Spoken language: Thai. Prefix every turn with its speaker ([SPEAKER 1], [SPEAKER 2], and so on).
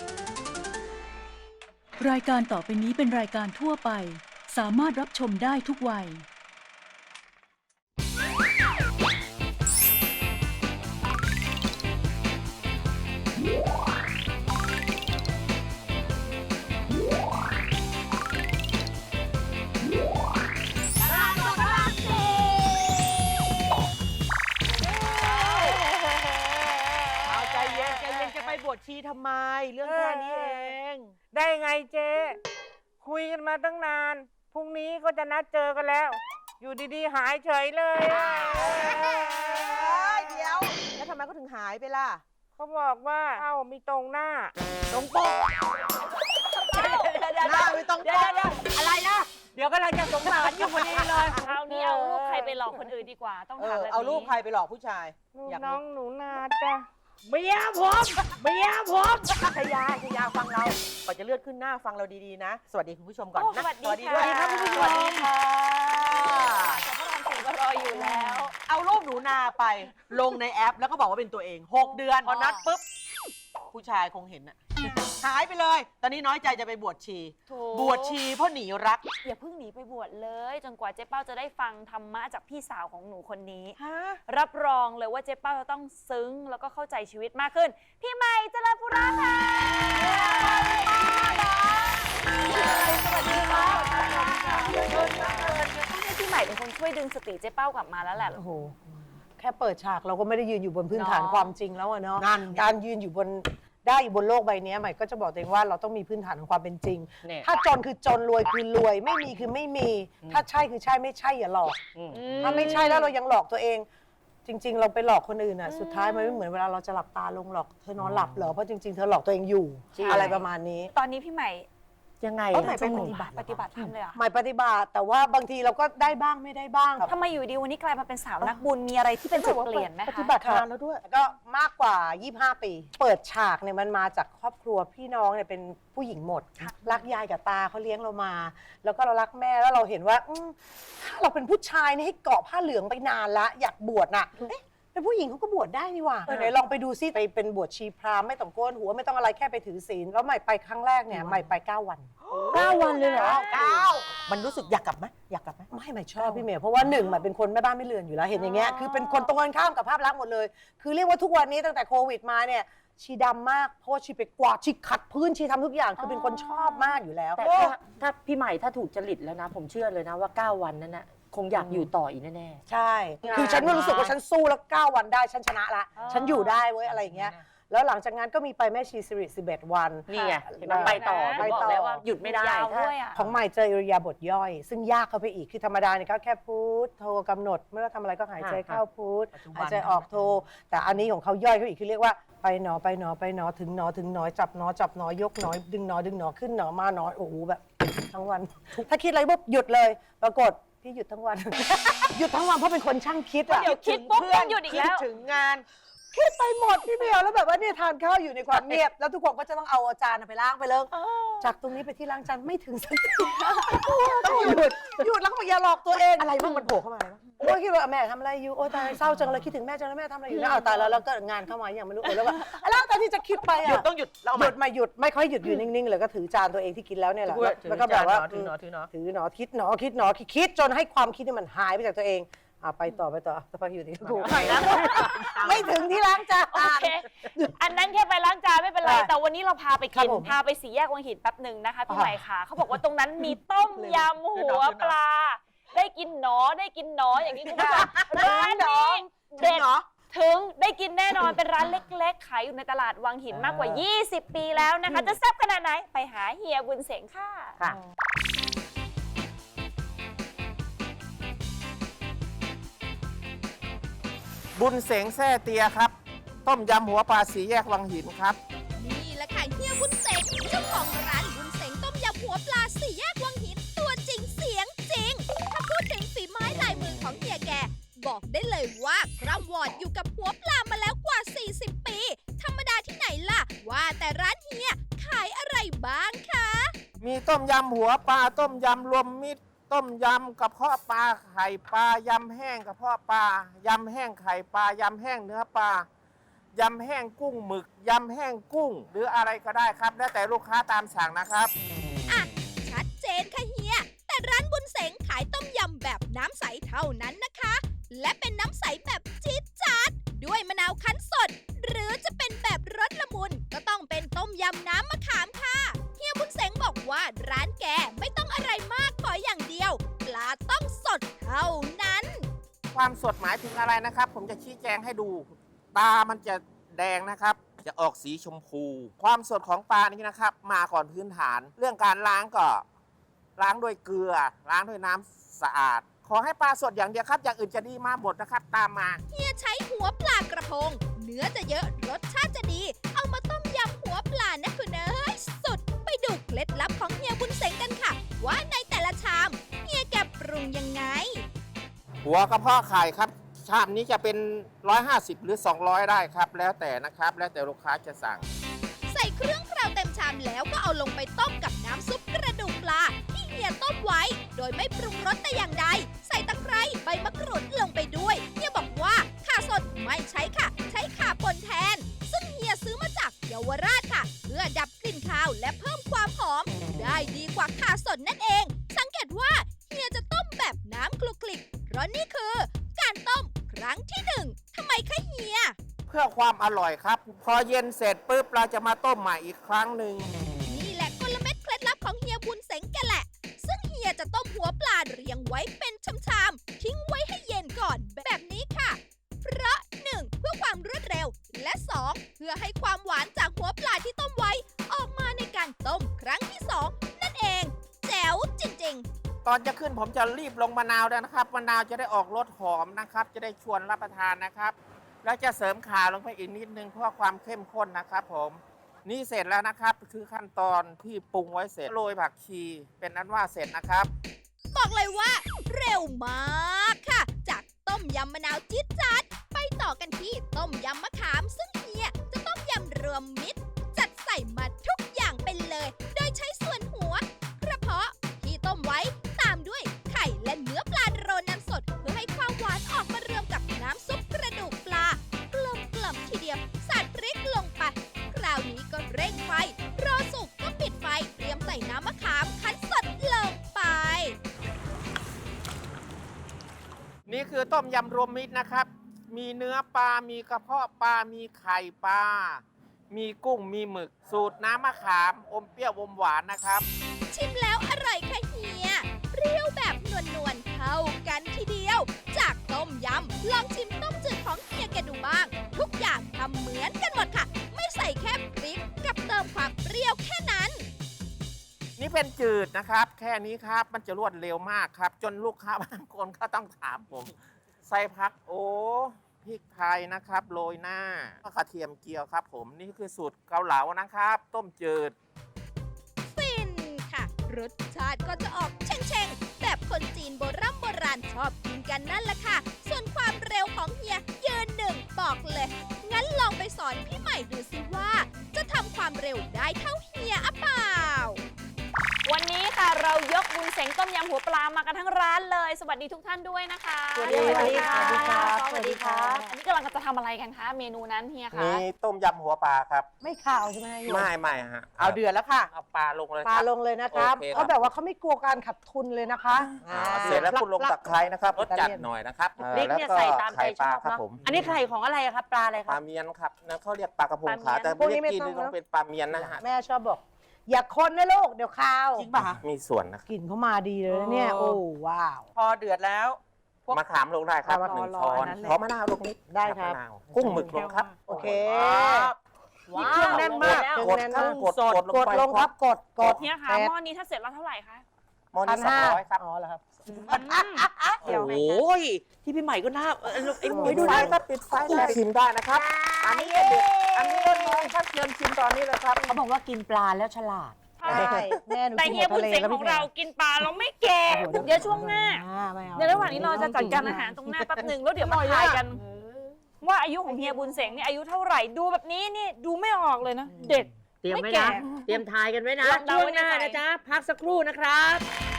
[SPEAKER 1] รายการต่อไปนี้เป็นรายการทั่วไปสามารถรับชมได้ทุกวัย
[SPEAKER 2] ใจเย็นจะไปบวชชีทำไมเรื่องแค่นี้เอง
[SPEAKER 3] ได้ไงเจ๊คุยกันมาตั้งนานพรุ่งนี้ก็จะนัดเจอกันแล้ว อยู่ดีๆหายเฉยเลย
[SPEAKER 2] เดี๋ยวแล้วทำไมก็ถึงหายไปล่ะ
[SPEAKER 3] เขาบอกว่าเอ้ามีตรงหน้า
[SPEAKER 2] ตรงปกหน้าไม่ต้องปกอะไรนะเดี๋ยวกำลังจะสงสารอยู่พอดีเลย
[SPEAKER 4] คราวนี้เอารูปใครไปหลอกคนอื่นดีกว่าต้องถามแบบนี้
[SPEAKER 2] เอารูปใครไปหลอกผู้ชาย
[SPEAKER 3] ลูก
[SPEAKER 2] อยาก
[SPEAKER 3] น้อ
[SPEAKER 2] รู้
[SPEAKER 3] งหนูนาจ้ะ
[SPEAKER 2] เมียชยาฟังเราก่อนจะเลื่อนขึ้นหน้าฟังเราดีๆนะสวัสดีคุณผู้ชมก่อน
[SPEAKER 4] โอ้
[SPEAKER 2] นะ
[SPEAKER 4] สวัสดีค่ะ
[SPEAKER 2] คุณผู้ชม
[SPEAKER 4] สวัสดีค่ะสพระรามสี่ก็รออยู่แล้ว
[SPEAKER 2] เอารูปหนูนาไปลงในแอปแล้วก็บอกว่าเป็นตัวเอง6 เดือนพอนัดปุ๊บผู้ชายคงเห็นอะหายไปเลย ตอนนี้น้อยใจจะไปบวชชี
[SPEAKER 4] ถูก
[SPEAKER 2] บวชชีเพราะหนีรัก
[SPEAKER 4] อย่าเพิ่งหนีไปบวชเลย จนกว่าเจ๊เป้าจะได้ฟังธรรมะจากพี่สาวของหนูคนนี้ รับรองเลยว่าเจ๊เป้าจะต้องซึ้งแล้วก็เข้าใจชีวิตมากขึ้น พี่ใหม่เจริญปุระค่ะสวัสดีค่ะพี่ใหม่เป็นคนช่วยดึงสติเจ๊เป้ากลับมาแล้วแหละ
[SPEAKER 5] โอ้โหแค่เปิดฉากเราก็ไม่ได้ยืนอยู่บนพื้นฐาน
[SPEAKER 4] เนาะ
[SPEAKER 5] ความจริงแล้วอะเนาะ
[SPEAKER 2] นั่น
[SPEAKER 5] การยืนอยู่บนได้อยู่บนโลกใบนี้ใหม่ก็จะบอกตัวเองว่าเราต้องมีพื้นฐานของความเป็นจริง
[SPEAKER 2] เนี่ย
[SPEAKER 5] ถ้าจนคือจนรวยคือรวย ไม่มีคือไม่มี ถ้าใช่คือใช่ไม่ใช่อย่าหลอก ถ้าไม่ใช่แล้วเรายังหลอกตัวเอง จริง ๆ เราไปหลอกคนอื่นอ่ะสุดท้ายมันไม่เหมือนเวลาเราจะหลับตาลงหลอกเธอนอนหลับเหรอเพราะจริงๆเธอหลอกตัวเองอยู่
[SPEAKER 4] ใช่
[SPEAKER 5] อะไรประมาณนี้
[SPEAKER 4] ตอนนี้พี่ใหม่
[SPEAKER 2] ยังไง
[SPEAKER 5] ใหม่เป็นปฏิบัติ
[SPEAKER 4] ธรรมเลยเหรอ
[SPEAKER 5] ใหม่ปฏิบัติแต่ว่าบางทีเราก็ได้บ้างไม่ได้บ้าง
[SPEAKER 4] ทำไมอยู่ดีวันนี้กลายมาเป็นสาวนักบุญมีอะไรที่เป็นจุดเปลี่ยนไหม
[SPEAKER 5] ป
[SPEAKER 4] คะ
[SPEAKER 5] ฏิบัตินานแล้วด้วยก็มากกว่า 25 ปี เปิดฉากเนี่ยมันมาจากครอบครัวพี่น้องเนี่ยเป็นผู้หญิงหมด รักยายกับตาเขาเลี้ยงเรามา แล้วก็เรารักแม่แล้วเราเห็นว่าถ้าเราเป็นผู้ชายนี่ให้เกาะผ้าเหลืองไปนานละอยากบวชน่ะเอ๊ะเป็นผู้หญิงเขาก็บวชได้นี่หว่าไหนลองไปดูซิไปเป็นบวชชีพราหมณ์ไม่ต้องโกนหัวไม่ต้องอะไรแค่ไปถือศีลแล้วใหม่ไปครั้งแรกเนี่ยใหม่ไป9 วัน 9 วันเลยเหรอ
[SPEAKER 2] มันรู้สึกอยากกลับไหมอยากกลับไหม
[SPEAKER 5] ไม่ชอบพี่เมย์เพราะว่าหนึ่งมันเป็นคนแม่บ้านไม่เรือนอยู่แล้วเห็นอย่างเงี้ยคือเป็นคนตรงกันข้ามกับภาพลักษณ์หมดเลย คือเรียกว่าทุกวันนี้ตั้งแต่โควิดมาเนี่ยชีดำมากเพราะว่าชีไปกวาดชีขัดพื้นชีทำทุกอย่างคือเป็นคนชอบมากอยู่แล้ว
[SPEAKER 6] แต่ถ้าพี่ใหม่ถ้าถูกจริตแล้วนะ ผมเชื่อเลยนะว่า 9 วันนั้นนะคงอยากอยู่ต่ออีกแน่
[SPEAKER 5] ใช่ คือฉันก็รู้สึกว่าฉันสู้แล้ว 9 วันได้ฉันชนะละฉันอยู่ได้เว้ยอะไรอย่างเงี้ยแล้วหลังจากนั้นก็มีไปแม่ชีสิริ11 วัน
[SPEAKER 6] ๆ นี่ไงเห็นไหมไปต่อ
[SPEAKER 5] ไป
[SPEAKER 6] ผมบอ
[SPEAKER 5] ต่
[SPEAKER 6] ก
[SPEAKER 5] อ
[SPEAKER 6] แล้วว่าหยุดไม่ได้
[SPEAKER 4] ยาว
[SPEAKER 6] ถ้า
[SPEAKER 4] ด้วยอ่ะ
[SPEAKER 5] ของใหม่เจออิริยาบถย่อย ซึ่งยากเข้าไปอีกคือธรรมดาเนี่ยก็แค่พูดโทกำหนดไม่ว่าทำอะไรก็หายใจเข้าพูดหายใจออกโทแต่อันนี้ของเขาย่อยเขาอีกคือเรียกว่าไปหนอไปหนอไปหนอถึงหนอถึงหนอจับหนอจับหนอยกหนอดึงหนอดึงหนอขึ้นหนอมาหนอโอ้โหแบบทั้งวัน ถ้าคิดอะไรปุ๊บหยุดเลยปรากฏพี่หยุดทั้งวัน หยุดทั้งวันเพราะเป็นคนช่างคิดอะ
[SPEAKER 4] เดี๋ยวคิดปุ๊บต้องหยุดอีกแล้ว
[SPEAKER 2] คิดถึงงาน
[SPEAKER 5] คิดไปหมดพี่เมียวแล้วแบบว่าเนี่ยทานข้าวอยู่ในความเงียบแล้วทุกคนก็จะต้องเอาจานไปล้างไปเลิกจากตรงนี้ไปที่ล้างจานไม่ถึงสักทีต้องหยุดแล้วก็บอกอย่าหลอกตัวเอง
[SPEAKER 2] อะไรบ้างมันโผล่เข้ามาอะไรบ้าง
[SPEAKER 5] โอ้ยคิดว่าแม่ทำอะไรอยู่โอ้ยตายเศร้าจังเลยคิดถึงแม่จังเลยแม่ทำอะไรอยู่นะเอาตายแล้วก็งานเข้ามาอย่างไม่รู้แล้วก็แล้วตอนที่จะคิดไป
[SPEAKER 2] หยุด
[SPEAKER 5] อะ
[SPEAKER 2] ต้องหยุดเรา
[SPEAKER 5] หยุดมาหยุดไม่ค่อยหยุดอยู่นิ่งๆเลยก็ถือจานตัวเองที่กินแล้วเนี่ยแหละแล้วก็แบบว่าถือหนอคิดหนอคิดจนให้ความคิดนี่มันหายไปจากตัวเองไปต่อสักพักอยู่ที่กูไม่ถึงที่ล้างจาน
[SPEAKER 4] โอเค อันนั้นแค่ไปล้างจานไม่เป็นไร
[SPEAKER 5] ค่ะ
[SPEAKER 4] แต่วันนี้เราพาไป
[SPEAKER 5] ครั
[SPEAKER 4] กิ
[SPEAKER 5] บ
[SPEAKER 4] น
[SPEAKER 5] ผม
[SPEAKER 4] พาไปสี่แยกวังหินแป๊บหนึ่งนะคะพี่ใหม่ค่ะเขาบอกว่าตรงนั้นมีต้มยำหัวปลา ได้กินหนออย่างนี้คุณผู้ชมร้านนี้เด็ดถึงได้กินแน่นอนเป็นร้านเล็กๆขายอยู่ในตลาดวังหินมากกว่า 20 ปีแล้วนะคะ จะแซ่บขนาดไหนไปหาเฮียบุญเสงค่ะ
[SPEAKER 2] ค่ะ
[SPEAKER 3] บุญเสงแซ่เตียครับ ต้มยำหัวปลาสีแยกวังหินครับ
[SPEAKER 7] นี่แหละค่ะเฮียบุญเสงเจ้าของร้านบุญเสงต้มยำหัวปลาสี่แยกวังหินตัวจริงเสียงจริง ถ้าพูดถึงฝีไม้ลายมือของเฮียแก บอกได้เลยว่าคร่ำวอดอยู่กับหัวปลามาแล้วกว่า 40 ปี ธรรมดาที่ไหนล่ะ ว่าแต่ร้านเฮียขายอะไรบ้างคะ
[SPEAKER 3] มีต้มยำหัวปลาต้มยำรวมมิตรต้มยำกระเพาะปลาไข่ปลายำแห้งกระเพาะปลายำแห้งไข่ปลายำแห้งเนื้อปลายำแห้งกุ้งหมึกยำแห้งกุ้ง หรืออะไรก็ได้ครับ แล้วแต่ลูกค้าตามสั่งนะครับ
[SPEAKER 7] อ่ะ ชัดเจนค่ะเฮีย แต่ร้านบุญเสงขายต้มยำแบบน้ำใสเท่านั้นนะคะ และเป็นน้ำใสแบบจี๊ดจ๊าดด้วยมะนาวคั้นสด หรือจะเป็นแบบรสละมุนก็ต้องเป็นต้มยำน้ำมะขามค่ะเฮียบุญเสงบอกว่าร้านแกไม่ต้องอะไรมากขออย่างเดียว ปลาต้องสดเท่านั้น
[SPEAKER 3] ความสดหมายถึงอะไรนะครับ ผมจะชี้แจงให้ดูตามันจะแดงนะครับ จะออกสีชมพู ความสดของปลานี่นะครับ มาก่อนพื้นฐาน เรื่องการล้างก็ล้างด้วยเกลือ ล้างด้วยน้ำสะอาด ขอให้ปลาสดอย่างเดียวครับ อย่างอื่นจะดีมาหมดนะครับ ตามมา
[SPEAKER 7] เฮียใช้หัวปลากระพง เนื้อจะเยอะรสชาติจะดี เอามาต้มยำหัวปลานะคุณเอ้ยสุดไปดูเคล็ดลับของเฮียบุญเสงกันค่ะ ว่าในแต่ละชามเฮียแกปรุงยังไง
[SPEAKER 3] หัวกระเพาะไข่ครับ ชามนี้จะเป็น 150 หรือ 200 ได้ครับ แล้วแต่นะครับ แล้วแต่ลูกค้าจะสั่ง
[SPEAKER 7] ใส่เครื่องเคราวเต็มชามแล้วก็เอาลงไปต้มกับน้ำซุปกระดูกปลาที่เฮียต้มไว้ โดยไม่ปรุงรสแต่อย่างใด ใส่ตะไคร้ใบมะกรูดลงไปด้วยเฮียบอกว่าข่าสดไม่ใช้ค่ะ ใช้ข่าป่นแทน ซึ่งเฮียซื้อมาจากเยาวราชค่ะ เพื่อดับกลิ่นคาวและเพิ่มความหอม ได้ดีกว่าข่าสดนั่นเอง สังเกตว่าเฮียจะต้มแบบน้ำคลุกคลิกเพราะนี่คือการต้มครั้งที่หนึ่งทำไมคะเฮีย
[SPEAKER 3] เพื่อความอร่อยครับ พอเย็นเสร็จปุ๊บเราจะมาต้มใหม่อีกครั้งหนึ่ง
[SPEAKER 7] นี่แหละกลเม็ดเคล็ดลับของเฮียบุญเสงแกแหละ ซึ่งเฮียจะต้มหัวปลาเรียงไว้เป็นชามๆทิ้งไว้ให้เย็นก่อนแบบนี้ค่ะ เพราะ 1. เพื่อความรวดเร็ว และ 2. เพื่อให้ความหวานจากหัวปลาที่ต้มไว้ ออกมาในการต้มครั้งที่ 2 นั่นเอง แจ๋วจริงๆ
[SPEAKER 3] ตอนจะขึ้นผมจะรีบลงมะนาวด้วยนะครับ มะนาวจะได้ออกรสหอมนะครับ จะได้ชวนรับประทานนะครับ แล้วจะเสริมข่าลงไปอีกนิดนึงเพื่อความเข้มข้นนะครับผม นี่เสร็จแล้วนะครับ คือขั้นตอนที่ปรุงไว้เสร็จโรยผักชี เป็นอันว่าเสร็จนะครับ
[SPEAKER 7] บอกเลยว่าเร็วมากค่ะ จากต้มยำมะนาวจี๊ดจ๊าดไปต่อกันที่ต้มยำมะขาม ซึ่งเฮียจะต้มยำรวมมิตร จัดใส่มาทุกอย่างไปเลย โดยใช้ส่วนหัว กระเพาะที่ต้มไว้ตามด้วยไข่และเนื้อปลาโรยน้ำสด เพื่อให้ความหวานออกมารวมกับน้ำซุปกระดูกปลากลมกล่อมทีเดียวสาดพริกลงไปคราวนี้ก็เร่งไฟรอสุกก็ปิดไฟเตรียมใส่น้ำมะขามคั้นสดลงไป
[SPEAKER 3] นี่คือต้มยำรวมมิตรนะครับ มีเนื้อปลา มีกระเพาะปลา มีไข่ปลา มีกุ้ง มีหมึก สูตรน้ำมะขาม อมเปรี้ยวอมหวานนะครับ
[SPEAKER 7] ชิมแล้วอร่อยค่ะเฮีย เปรี้ยวแบบนวลๆเข้ากันทีเดียว จากต้มยำลองชิมต้มจืดของเฮียแกดูบ้าง ทุกอย่างทำเหมือนกันหมดค่ะ ไม่ใส่แค่พริกกับเติมความเปรี้ยวแค่นั้น
[SPEAKER 3] นี่เป็นจืดนะครับ แค่นี้ครับ มันจะรวดเร็วมากครับ จนลูกค้าบางคนก็ต้องถามผม ใส่ผักโอ้พริกไทยนะครับ โรยหน้าก็กระเทียมเจียวครับผม นี่คือสูตรเกาเหลานะครับ ต้มจืด
[SPEAKER 7] ฟินค่ะ รสชาติก็จะออกเช่งๆ แบบคนจีนโบราณชอบกินกันนั่นแหละค่ะ ส่วนความเร็วของเฮียยืนหนึ่งบอกเลย งั้นลองไปสอนพี่ใหม่ดูสิว่า จะทำความเร็วได้เท่าเฮียอะเปล่า
[SPEAKER 4] วันนี้ค่ะเรายกบุญเสงต้มยำหัวปลามากันทั้งร้านเลย สวัสดีทุกท่านด้วยนะคะ
[SPEAKER 6] สวัสดีค่ะ
[SPEAKER 4] สวัสดีค่ะ
[SPEAKER 6] สวัสดีครับ
[SPEAKER 4] อันนี้กำลังจะทำอะไรกันคะเมนูนั้นเฮียคะ
[SPEAKER 3] นี่ต้มยำหัวปลาครับ
[SPEAKER 5] ไม่ข่าวใช่ไหมโยม
[SPEAKER 3] ไม่ฮะ
[SPEAKER 2] เอาเดือดแล้วค่ะ
[SPEAKER 3] เอาปลาลงเลย
[SPEAKER 5] ปลา
[SPEAKER 3] ครับ
[SPEAKER 5] ลงเลยนะครับ
[SPEAKER 3] โอเคครับ
[SPEAKER 5] เขาแบบว่าเขาไม่กลัวการขาดทุนเลยนะคะ
[SPEAKER 3] เสร็จแล้วคุณลงตะไคร้นะครับรสจัดหน่อยนะครับ
[SPEAKER 6] พริกเนี่ย
[SPEAKER 3] แล้ว
[SPEAKER 6] ใส่ตามใจ
[SPEAKER 3] ไข่
[SPEAKER 6] ช
[SPEAKER 3] ปลา
[SPEAKER 6] อบ
[SPEAKER 3] ครับ
[SPEAKER 6] เนาะ
[SPEAKER 3] ผม
[SPEAKER 6] อันนี้ไข่ของอะไรอะครับ ปลาอะไรค
[SPEAKER 3] ป
[SPEAKER 6] รั
[SPEAKER 3] ลา
[SPEAKER 6] บ
[SPEAKER 3] เมียนครับนั่นเขาเรียกปลากระพงขา
[SPEAKER 4] ปลาเมียน
[SPEAKER 3] แต่
[SPEAKER 5] พวกนี้
[SPEAKER 3] เรียก
[SPEAKER 5] ไม่
[SPEAKER 3] กิน
[SPEAKER 5] ต้อง
[SPEAKER 3] นี่ต้องเป็นปลาเมียนนะฮะ
[SPEAKER 5] แม่ชอบบอก อย่าคนนะลูกเดี๋ยวข้าว
[SPEAKER 2] จริงป่ะคะ
[SPEAKER 3] มีส่วนนะ
[SPEAKER 5] กลิ่นเขามาดีเลยนะเนี่ย
[SPEAKER 2] โอ้
[SPEAKER 5] โอ้ว้าว
[SPEAKER 2] พอเดือดแล้วพวก
[SPEAKER 3] มะขามลงได้ครับ
[SPEAKER 5] เอามา
[SPEAKER 3] หนึ่ง
[SPEAKER 5] รอ
[SPEAKER 3] ช้อน
[SPEAKER 5] อันนั้นเลย
[SPEAKER 3] ขอมะนาวลงนิด
[SPEAKER 5] ได้ครับ
[SPEAKER 3] มะนาวกุ้งหมึกลงครับ
[SPEAKER 5] โอเค
[SPEAKER 2] นี่เครื่องแน่นมาก
[SPEAKER 5] เครื่อง
[SPEAKER 3] กด
[SPEAKER 5] แน่น
[SPEAKER 3] ครับ
[SPEAKER 5] มาก
[SPEAKER 3] กด
[SPEAKER 5] กดลงครับกด
[SPEAKER 4] เฮียคะ
[SPEAKER 5] แปด
[SPEAKER 4] หม้อนี้ถ้าเสร็จแล้วเท่าไหร่คะ
[SPEAKER 3] หม้อ
[SPEAKER 5] พั
[SPEAKER 3] นี้
[SPEAKER 5] นห้า
[SPEAKER 3] 200ครับ
[SPEAKER 5] อ๋อเหรอครับ
[SPEAKER 6] โอ้ยที่พี่ใหม่ก็น่าไอ้หมวย
[SPEAKER 3] ปิด
[SPEAKER 6] ดู
[SPEAKER 3] ไฟ
[SPEAKER 6] ได้
[SPEAKER 3] ครับปิดไฟได้ชิมได้นะครับ อันนี้ก็เด็ดอันนี้ก็น้อยครับเชิญชิมตอนนี้เลยครับ
[SPEAKER 6] เขาบอกว่ากินปลาแล้วฉลาด
[SPEAKER 5] ได้แม่หนู
[SPEAKER 4] แต่
[SPEAKER 5] กิน
[SPEAKER 4] เฮีย
[SPEAKER 5] หม
[SPEAKER 4] บุ
[SPEAKER 5] ด
[SPEAKER 4] ญ
[SPEAKER 5] ทะเล
[SPEAKER 4] เสง
[SPEAKER 5] แล้ว
[SPEAKER 4] ของ
[SPEAKER 5] พี่แม่
[SPEAKER 4] เรากินปลาเราไม่แก่
[SPEAKER 5] โอ้โห
[SPEAKER 4] เดี๋ยวช่วงหน้า
[SPEAKER 5] ไม่เอา
[SPEAKER 4] ในระหว่างนี้เราจะจัดการอาหารตรงหน้าแป๊บหนึ่งแล้วเดี๋ยวมาทายกัน ว่าอายุของเฮียบุญเสงเนี่ยอายุเท่าไหร่ดูแบบนี้นี่ดูไม่ออกเลยนะ เด็ก
[SPEAKER 6] เตรียมไว้
[SPEAKER 4] ไม่แก่
[SPEAKER 6] นะ เตรียมทายกันไว้นะ
[SPEAKER 4] ลองเดา
[SPEAKER 6] ช่ว
[SPEAKER 4] ไว้
[SPEAKER 6] ง
[SPEAKER 4] ใน
[SPEAKER 6] หน้า
[SPEAKER 4] ใจ
[SPEAKER 6] นะจ๊ะ พักสักครู่นะครับ